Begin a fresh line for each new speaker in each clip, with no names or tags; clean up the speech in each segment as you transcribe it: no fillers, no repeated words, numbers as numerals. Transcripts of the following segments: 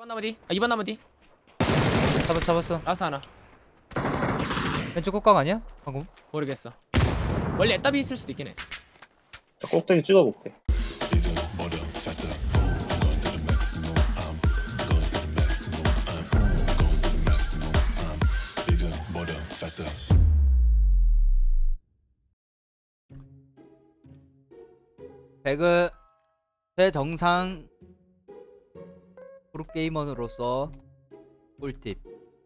2번 나무 뒤. 2번 나무 뒤.
잡았어.
라스 하나.
왼쪽 끝각 아니야? 방금?
모르겠어. 원래 애답이 있을 수도 있긴 해.
자, 꼭대기 찍어볼게.
배그 최정상 프로게이머로서 꿀팁.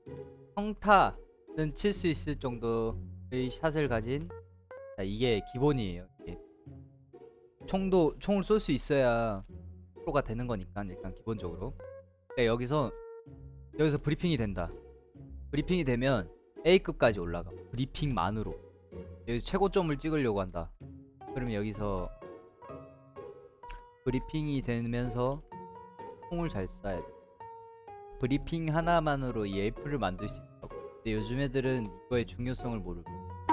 평타는 칠 수 있을 정도의 샷을 가진, 자, 이게 기본이에요. 이게. 총을 쏠 수 있어야 프로가 되는 거니까 일단 기본적으로. 그러니까 여기서 브리핑이 된다. 브리핑이 되면 A급까지 올라가. 브리핑만으로 여기서 최고점을 찍으려고 한다. 그러면 여기서 브리핑이 되면서 총을 잘 쏴야 돼. 브리핑 하나만으로 이 에이프를 만들 수 있다고. 근데 요즘 애들은 이거의 중요성을 모르고,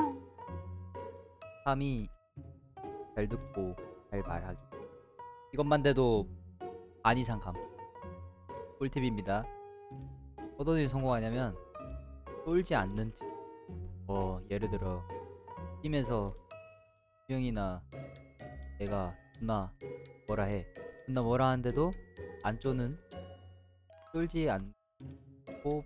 함이 잘 듣고 잘 말하기, 이것만 돼도 안 이상 감. 꿀팁입니다. 어떤 일이 성공하냐면 쏠지 않는 집. 예를 들어 팀에서 수영이나 내가 존나 뭐라 해. 존나 뭐라 하는데도 안 쏘는, 쏠지 않고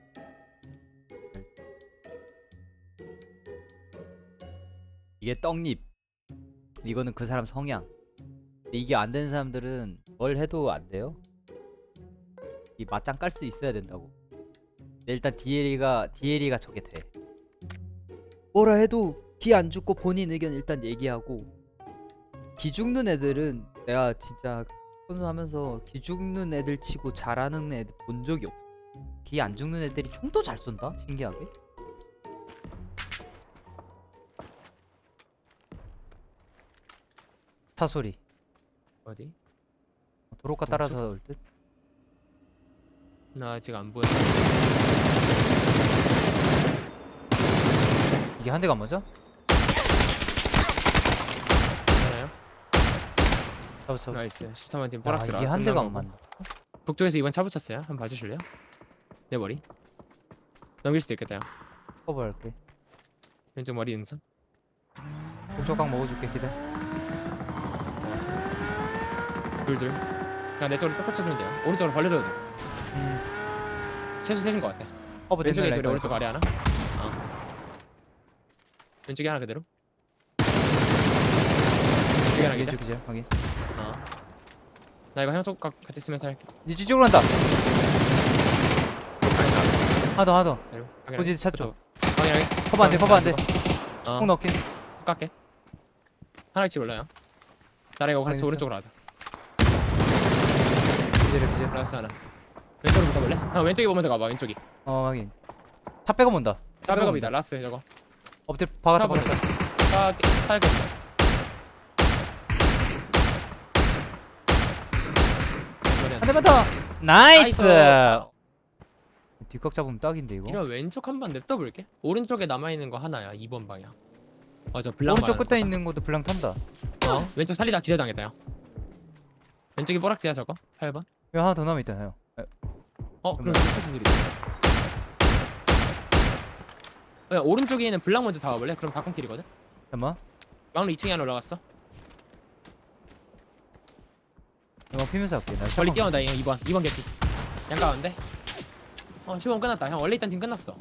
이게 떡잎. 이거는 그 사람 성향. 근데 이게 안 되는 사람들은 뭘 해도 안 돼요. 이 맞짱 깔 수 있어야 된다고. 근데 일단 DLE가 저게 돼. 뭐라 해도 기 안 죽고 본인 의견 일단 얘기하고. 기 죽는 애들은 내가 진짜 선수하면서 기 죽는 애들 치고 잘하는 애들 본 적이 없어. 기 안 죽는 애들이 총도 잘 쏜다? 신기하게. 차 소리.
어디?
도로가 따라서 올 듯?
나 아직 안 보여.
이게 한 대가 안 맞아?
괜찮아요?
잡았어.
나이스. 13번 팀
야,
뽀락지라.
이게 한 대가 안 맞나?
북쪽에서 2번 차 붙였어요. 한번 봐주실래요? 내 머리. 넘길 수도 있겠다. 요
커버할게.
왼쪽 머리 능선.
목적각 먹어줄게. 기다려.
둘. 그냥 내 쪽으로 똑같이 해주면 돼요. 오른쪽으로 벌려줘도 돼. 최소 셋인 것 같아.
커버
왼쪽에
됐네.
둘이 오른쪽 아래 하나. 왼쪽에 하나 그대로. 왼쪽에 하나 기자.
기자 확인.
나 이거 형쪽 같이 쓰면서 할게.
니 뒤쪽으로 간다. 하나 더. 고지 찾죠.
확인하게.
커버 안 돼. 꼭 넣을게.
깎게. 하나 위치 몰라요. 나랑 이거 같이
알겠어.
오른쪽으로 하자.
기자.
플러스 하나. 왼쪽으로 붙어볼래? 왼쪽에 보면 더 가봐. 왼쪽이.
확인. 차 빼고 본다.
차 백업이다. 라스트 저거.
엎드려 박았다.
차 백업.
한 대만 더. 나이스. 뒷각 잡으면 딱인데 이거.
이런 왼쪽 한번 냅둬볼게. 오른쪽에 남아있는 거 하나야. 2번 방향. 맞아. 블랑
오른쪽
말하는
끝에
거다.
있는 것도 블랑 탄다.
왼쪽 살리다 기절당했다 형. 왼쪽이 뽀락지야 저거. 8번.
여기 하나 더 남아 있다 형.
그럼 무슨 일이지? 오른쪽에 있는 블랑 먼저 잡아볼래? 그럼 바꿈길이거든?
잠깐만.
막루 2층에 하나 올라갔어.
이거 피면서 할게. 나
멀리 뛰어온다 형. 2번 개피. 양가운데. 15분 끝났다. 형 원래 있던 팀 끝났어.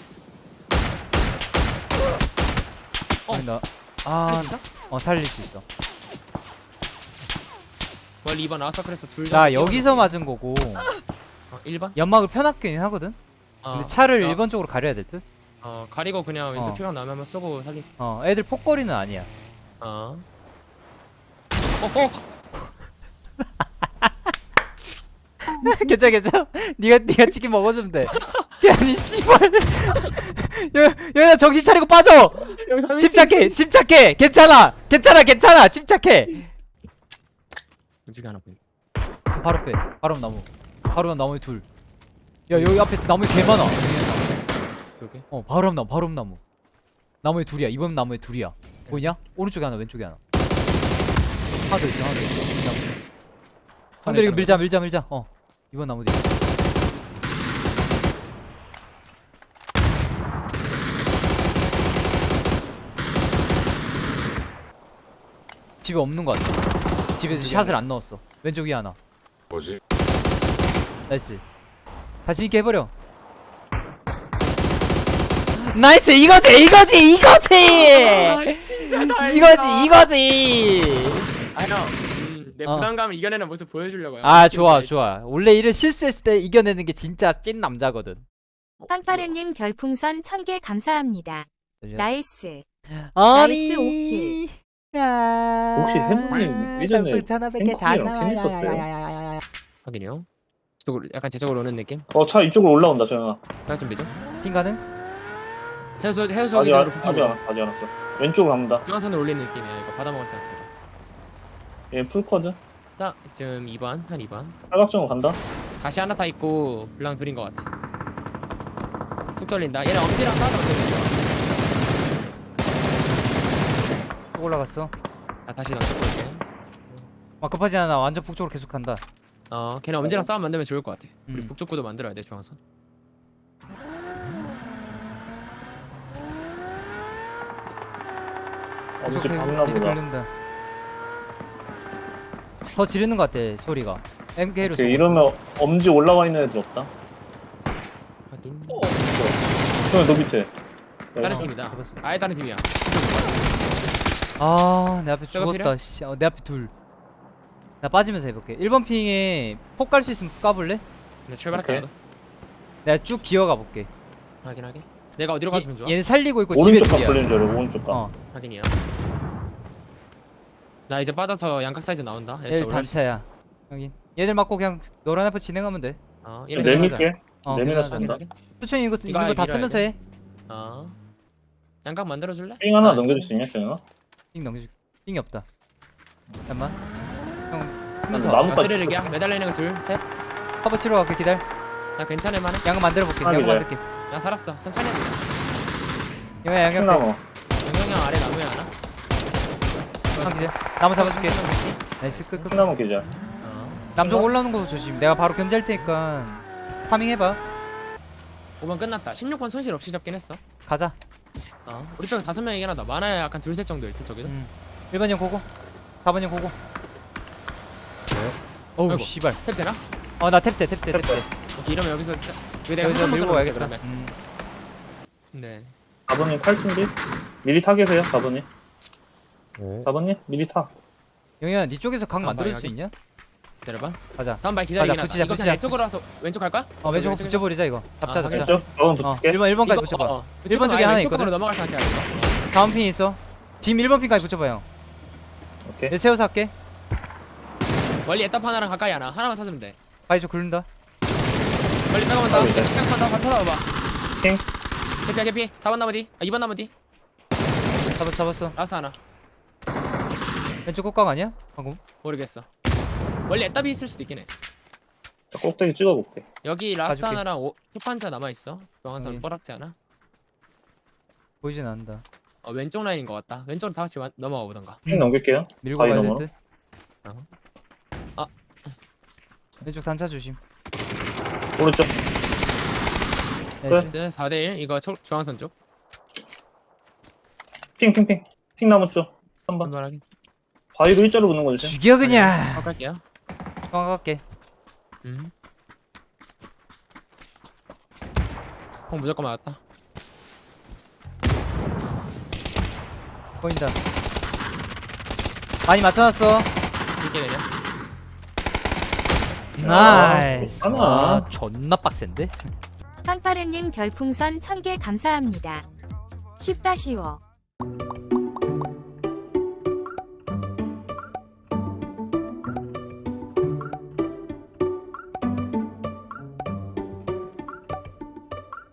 보인다.
살릴 수 있어?
살릴 수 있어.
원래 2번 아웃서클에서 둘
나 여기서 맞은 거고
1번?
연막을 펴놨긴 하거든. 근데 차를 1번 쪽으로 가려야 될 듯.
가리고 그냥 왼쪽 피가 나오면 한번 쏘고 살리.
애들 폭거리는 아니야. 괜찮아. 네가 치킨 먹어주면 돼. 아니 씨발. 야 정신 차리고 빠져. 침착해. 괜찮아. 침착해.
왼쪽에 하나 보인.
바로 빼. 바로 나무. 바로 나무에 둘. 야 여기 앞에 나무에 개 많아.
여기?
바로 나무. 나무에 둘이야. 이번 나무에 둘이야. 보이냐? 오른쪽에 하나, 왼쪽에 하나. 하나 더 있어. 근데 이거 밀자. 이번 나무 뒤. 집에 없는 것 같아. 집에서 샷을 안 넣었어. 왼쪽 위에 하나.
뭐지?
나이스. 다시 있게 해버려. 나이스. 이거지
아형 내
어.
부담감을 이겨내는 모습 보여주려고요.
아 좋아 원래 이런 실수했을 때 이겨내는 게 진짜 찐 남자거든.
빵파르님 별풍선 1000개 감사합니다. 나이스.
아니
나이스 오킬.
혹시 햄님 예전에
별풍
햄커이랑 팀
확인이요. 이쪽으로 약간 제 쪽으로 오는 느낌.
차 이쪽으로 올라온다 정영아.
딱 준비죠.
핑 가능?
해수
아직
기준으로
아직 않았어. 왼쪽으로 갑니다.
중앙선으로 올리는 느낌이야. 이거 받아 먹을 생각보다.
얘 풀커드.
딱 지금 2번 한 2번.
사각정으로 간다.
다시 하나 타 있고 블랑 둘인 것 같아. 툭 돌린다. 얘네 엄지랑 싸우면
또 올라갔어.
아 다시 던져볼게.
급하지 않아. 완전 북쪽으로 계속 간다.
걔네 엄지랑 싸움 만들면 좋을 것 같아. 우리
음.
북쪽 구도 만들어야 돼 중앙선.
엄지
계속
박나
미드
보다.
긁는다. 더 지르는 것 같아 소리가. MK로
오케이, 이러면 엄지 올라와 있는 애들 없다.
확인.
그러면 너 밑에.
다른 팀이다.
잡았어.
아예 다른 팀이야.
아내 앞에
저거
죽었다. 씨. 내 앞에 둘. 나 빠지면서 해볼게. 1번 핑에 폭 깔 수 있으면 까볼래?
나 출발할게.
오케이.
나도.
내가 쭉 기어가 볼게.
확인하게. 내가 어디로 가주면 좋아?
얘는 살리고 있고 집에
오른쪽 각
둘이야.
걸리는 줄 알아. 오른쪽 각.
어.
확인이야. 나 이제 빠져서 양각 사이즈 나온다.
얘들 단차야. 여기. 얘들 맞고 그냥 노란 앞에 진행하면 돼.
얘네
내밀게.
어.
내밀어서
괜찮아.
간다.
수천이 이거
이거
있는 거 다
밀어야
쓰면서
돼.
해.
양각 만들어줄래?
삥 하나
아,
넘겨줄 수 있냐, 정영아?
삥 넘겨줄. 삥이 없다. 잠깐만. 형
나무-
하면서
나무까지
쓰레기야. 매달리는 거 둘, 셋.
커버 치러 갈게. 기다려.
나 괜찮을 만해.
양은 만들어 볼게.
아,
양은
그래.
만들게.
나 살았어. 천천히 해.
이거 양양 때.
킹나무.
영영형 아래 나무에 하나.
상기제. 나무 잡아줄게. 나이스 끝.
킹나무 계좌.
남쪽 올라오는 거 조심. 내가 바로 견제할 테니까 파밍 해봐.
5번 끝났다. 16번 손실 없이 잡긴 했어.
가자.
우리 빼고 5명이긴 하다. 많아야 약간 둘셋 정도일 듯 저기도.
1번 형 고고. 4번 형 고고. 어우
아이고.
씨발.
탭 되나?
나 탭대.
오케이, 이러면 여기서 왜 내가
여기서
한
밀고
번만
가야겠다.
그러면. 네.
4번님 탈 준비? 미리 타 계세요, 4번님. 4번님? 미리 타.
영희야, 네 쪽에서 각
아,
만들 수
여기.
있냐?
내려봐.
가자.
다음 발 기다리긴
가자,
하다.
붙이자,
이거
붙이자,
그냥 왼쪽으로 와서 왼쪽 갈까?
왼쪽으로 붙여버리자 이거. 잡자.
확인.
왼쪽? 4번 붙을게.
1번까지
이거,
붙여봐.
붙이고
1번 쪽에
아예
하나
왼쪽으로
있거든?
넘어갈 생각이야 이거.
다음 핀 있어. 지금 1번 핀까지 붙여봐 형.
오케이.
얘 세워서 할게.
멀리 에따파 하나랑 가까이 하나만 찾으면 돼.
바이저 굴른다.
멀리 빼고만다.
아, 네.
잠깐만 더 쳐다봐봐.
킹.
개피. 4번 나무 뒤. 2번 나무 뒤.
잡았어.
라스 하나.
왼쪽 끝각 아니야? 방금.
모르겠어. 멀리 에따비 있을 수도 있긴 해.
자, 꼭대기 찍어볼게.
여기 라스
가줄게.
하나랑 초판자 남아있어. 명한선
여기.
뽀락지 하나.
보이진 않는다.
왼쪽 라인인 것 같다. 왼쪽으로 다 같이 넘어가 보던가.
핑 넘길게요.
밀고
바위
가야
너머로?
될 듯.
아.
왼쪽 단차 조심.
오른쪽.
나이스.
4대1 이거 중앙선 쪽.
핑. 핑나무 쪽. 3번.
한번 하긴.
바위로 일자로 붙는 거지.
죽여 그냥.
갈게요.
정확할게.
공 무조건 맞았다.
보인다. 많이 맞춰놨어.
이렇게 내려.
나이스.
하나.
존나 빡센데?
빵파르님 별풍선 1000개 감사합니다. 쉽다 쉬워.